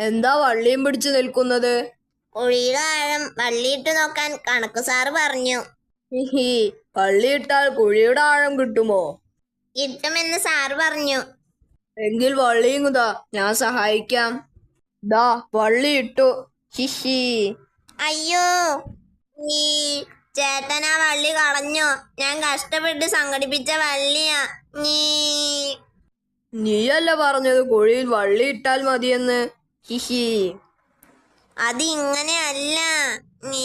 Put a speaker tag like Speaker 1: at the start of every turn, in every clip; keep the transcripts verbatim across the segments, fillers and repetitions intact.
Speaker 1: എന്താ വള്ളിയും പിടിച്ചു നിൽക്കുന്നത്?
Speaker 2: കുഴിയുടെ ആഴം വള്ളിയിട്ട് നോക്കാൻ കണക്ക് സാറ് പറഞ്ഞു.
Speaker 1: ഹിഹി, വള്ളിയിട്ടാൽ കുഴിയുടെ ആഴം കിട്ടുമോ?
Speaker 2: കിട്ടുമെന്ന് സാറ് പറഞ്ഞു.
Speaker 1: എങ്കിൽ വള്ളിയും കുതാ, ഞാൻ സഹായിക്കാം. ദാ വള്ളി ഇട്ടു. ഹിഹി.
Speaker 2: അയ്യോ, ഈ ചേട്ടനാ വള്ളി കളഞ്ഞോ? ഞാൻ കഷ്ടപ്പെട്ട് സംഘടിപ്പിച്ച വള്ളിയാ. നീ
Speaker 1: നീയല്ല പറഞ്ഞത് കുഴിയിൽ വള്ളി ഇട്ടാൽ മതിയെന്ന്? ഹിഹി.
Speaker 2: അത് ഇങ്ങനെയല്ല. നീ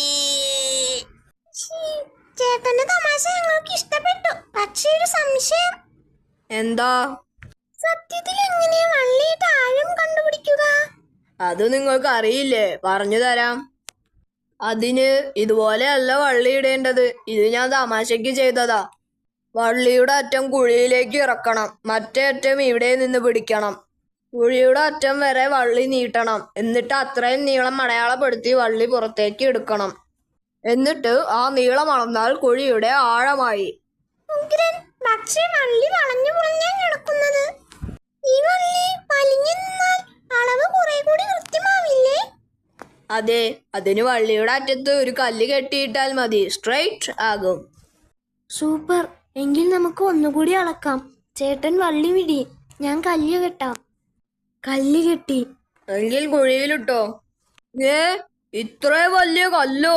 Speaker 2: ചേട്ടന്റെ തമാശ ഞങ്ങൾക്ക് ഇഷ്ടപ്പെട്ടു. പക്ഷേ ഒരു സംശയം.
Speaker 1: എന്താ?
Speaker 2: സത്യത്തിൽ എങ്ങനെയാ വള്ളിയിട്ട് ആഴം കണ്ടുപിടിക്കുക?
Speaker 1: അത് നിങ്ങൾക്ക് അറിയില്ലേ? പറഞ്ഞു തരാം. അതിന് ഇതുപോലെയല്ല വള്ളി ഇടേണ്ടത്. ഇത് ഞാൻ തമാശയ്ക്ക് ചെയ്തതാ. വള്ളിയുടെ അറ്റം കുഴിയിലേക്ക് ഇറക്കണം, മറ്റേ അറ്റം ഇവിടെ നിന്ന് പിടിക്കണം. കുഴിയുടെ അറ്റം വരെ വള്ളി നീട്ടണം. എന്നിട്ട് അത്രയും നീളം അടയാളപ്പെടുത്തി വള്ളി പുറത്തേക്ക് എടുക്കണം. എന്നിട്ട് ആ നീളം അളന്നാൽ കുഴിയുടെ ആഴമായി.
Speaker 2: പക്ഷേ വള്ളി വളഞ്ഞു പുളഞ്ഞാ കിടക്കുന്നത്. ഈ വള്ളി വലിഞ്ഞു നിന്നാൽ അളവ് കുറെ കൂടി കൃത്യമാവില്ലേ?
Speaker 1: അതെ, അതിന് വള്ളിയുടെ അറ്റത്ത് ഒരു കല്ല് കെട്ടിയിട്ടാൽ മതി, സ്ട്രെയിറ്റ് ആകും.
Speaker 3: സൂപ്പർ. എങ്കിൽ നമുക്ക് ഒന്നുകൂടി അളക്കാം. ചേട്ടൻ വള്ളി വിടി, ഞാൻ കല്ല് കെട്ടാം. കല്ല് കെട്ടി.
Speaker 1: എങ്കിൽ കുഴിയിലിട്ടോ. ഏ, ഇത്ര വലിയ കല്ലോ?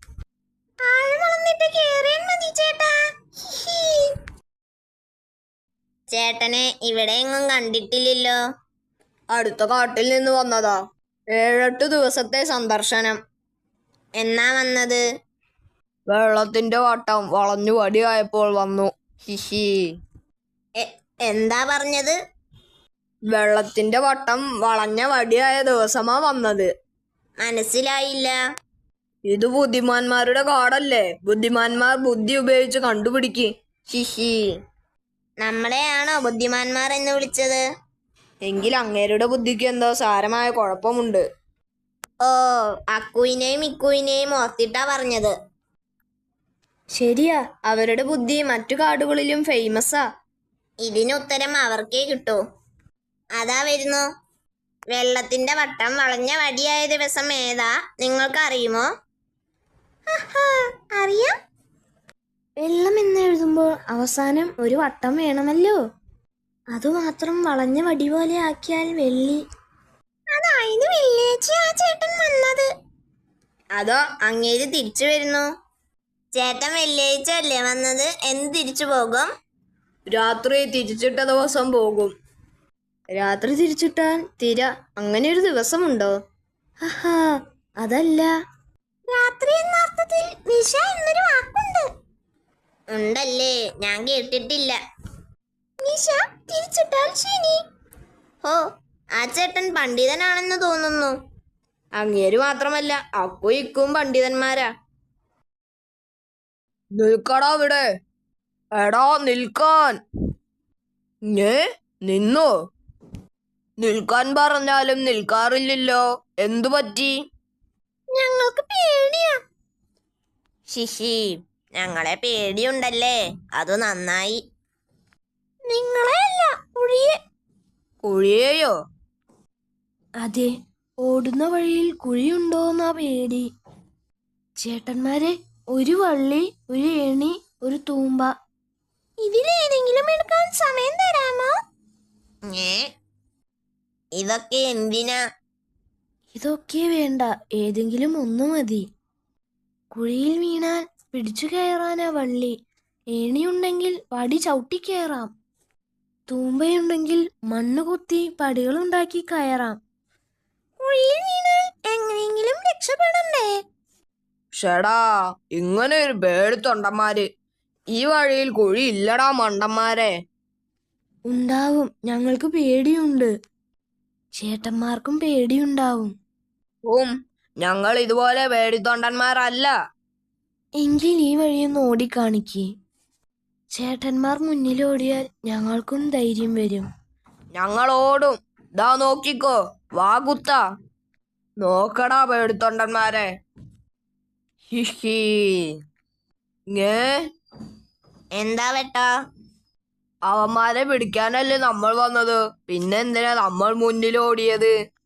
Speaker 2: ചേട്ടനെ ഇവിടെ എങ്ങും കണ്ടിട്ടില്ലല്ലോ.
Speaker 1: അടുത്ത കാട്ടിൽ നിന്ന് വന്നതാ. ഏഴെട്ട് ദിവസത്തെ സന്ദർശനം.
Speaker 2: എന്നാ വന്നത്?
Speaker 1: വെള്ളത്തിന്റെ വട്ടം വളഞ്ഞു വടിയായപ്പോൾ വന്നു. ഹിഹി.
Speaker 2: എന്താ പറഞ്ഞത്?
Speaker 1: വെള്ളത്തിന്റെ വട്ടം വളഞ്ഞ വടിയായ ദിവസമാ വന്നത്.
Speaker 2: മനസ്സിലായില്ല.
Speaker 1: ഇത് ബുദ്ധിമാന്മാരുടെ കാടല്ലേ. ബുദ്ധിമാന്മാർ ബുദ്ധി ഉപയോഗിച്ച് കണ്ടുപിടിക്ക്. ഹിഹി.
Speaker 2: നമ്മളെയാണോ ബുദ്ധിമാന്മാർ എന്ന് വിളിച്ചത്?
Speaker 1: എങ്കിൽ അങ്ങേരുടെ ബുദ്ധിക്ക് എന്തോ സാരമായ കുഴപ്പമുണ്ട്.
Speaker 2: ഓ, അക്കുവിനെയും ഇക്കുവിനെയും ഓർത്തിട്ടാ പറഞ്ഞത്.
Speaker 3: ശരിയാ,
Speaker 1: അവരുടെ ബുദ്ധി മറ്റു കാടുകളിലും ഫേമസാ.
Speaker 2: ഇതിന് ഉത്തരം അവർക്കേ കിട്ടൂ. അതാ വരുന്നു. വെള്ളത്തിന്റെ വട്ടം വളഞ്ഞ വടിയായ ദിവസം ഏതാ നിങ്ങൾക്ക് അറിയുമോ? അറിയാം.
Speaker 3: വെള്ളം എന്ന് എഴുതുമ്പോൾ അവസാനം ഒരു വട്ടം വേണമല്ലോ. അതുമാത്രം വളഞ്ഞ വടി പോലെ ആക്കിയാൽ വെള്ളി.
Speaker 2: അതായത് വെള്ളിയാഴ്ച ആ ചേട്ടൻ വന്നത്. അതോ അങ്ങേര് തിരിച്ചു വരുന്നു? ചേട്ടൻ വെള്ളിയാഴ്ച അല്ലേ വന്നത്? എന്ന് തിരിച്ചു പോകും?
Speaker 1: രാത്രി തിരിച്ചിട്ട ദിവസം പോകും.
Speaker 3: രാത്രി തിരിച്ചിട്ടാൽ
Speaker 1: തിര, അങ്ങനെ ഒരു ദിവസമുണ്ടോ?
Speaker 3: ഹഹാ, അതല്ല.
Speaker 2: രാത്രി എന്ന അർത്ഥത്തിൽ നിശ എന്നൊരു വാക്കുണ്ട്. ഉണ്ടല്ലേ? ഞാൻ കേട്ടിട്ടില്ല. നിശ തിരിച്ചിട്ടാൽ ശനി. ഓ, ആ ചേട്ടൻ പണ്ഡിതനാണെന്ന് തോന്നുന്നു.
Speaker 1: അങ്ങേര് മാത്രമല്ല, അക്കു ഇക്കും പണ്ഡിതന്മാരാ. നിൽക്കടാ അവിടെ. എടാ നിൽക്കാൻ. ഏ, നിന്നോ? നിൽക്കാൻ പറഞ്ഞാലും നിൽക്കാറില്ലല്ലോ. എന്തു പറ്റി?
Speaker 2: ഞങ്ങൾക്ക് പേടിയാ. ശിശി, ഞങ്ങളെ പേടിയുണ്ടല്ലേ? അത് നന്നായി. നിങ്ങളെയല്ല, കുഴിയെ.
Speaker 1: കുഴിയെയോ?
Speaker 3: അതെ, ഓടുന്ന വഴിയിൽ കുഴിയുണ്ടോന്നാ പേടി. ചേട്ടന്മാരെ, ഒരു വള്ളി, ഒരു ഏണി, ഒരു തൂമ്പ.
Speaker 2: ഇതിലേതെങ്കിലും എടുക്കാൻ സമയം തരാമോ? ഇതൊക്കെ എന്തിനാ?
Speaker 3: ഇതൊക്കെ വേണ്ട, ഏതെങ്കിലും ഒന്നു മതി. കുഴിയിൽ വീണാൽ പിടിച്ചു കയറാനാ വള്ളി. ഏണിയുണ്ടെങ്കിൽ വടി ചവിട്ടി കയറാം. തൂമ്പയുണ്ടെങ്കിൽ മണ്ണ് കുത്തി പടികളുണ്ടാക്കി കയറാം.
Speaker 2: കുഴിയിൽ വീണാൽ എങ്ങനെയെങ്കിലും രക്ഷപ്പെടണ്ടേ?
Speaker 1: ഷടാ, ഇങ്ങനെ ഒരു പേടിത്തൊണ്ടന്മാര്. ഈ വഴിയിൽ കുഴി ഇല്ലടാ മണ്ടന്മാരെ.
Speaker 3: ഉണ്ടാവും, ഞങ്ങൾക്ക് പേടിയുണ്ട്. ചേട്ടന്മാർക്കും പേടിയുണ്ടാവും.
Speaker 1: ഉം, ഞങ്ങൾ ഇതുപോലെ പേടിത്തൊണ്ടന്മാരല്ല.
Speaker 3: എങ്കിൽ ഈ വഴിയൊന്ന് ഓടിക്കാണിക്കേ. ചേട്ടന്മാർ മുന്നിലോടിയാൽ ഞങ്ങൾക്കും ധൈര്യം വരും.
Speaker 1: ഞങ്ങൾ ഓടും. ദാ നോക്കിക്കോ, വാ കുത്ത. നോക്കടാ പേടിത്തൊണ്ടന്മാരെ. ഹിഹി. ഏ,
Speaker 2: എന്താ വെട്ടാ?
Speaker 1: അവന്മാരെ പിടിക്കാനല്ലേ നമ്മൾ വന്നത്. പിന്നെന്തിനാ നമ്മൾ മുന്നിലോടിയത്?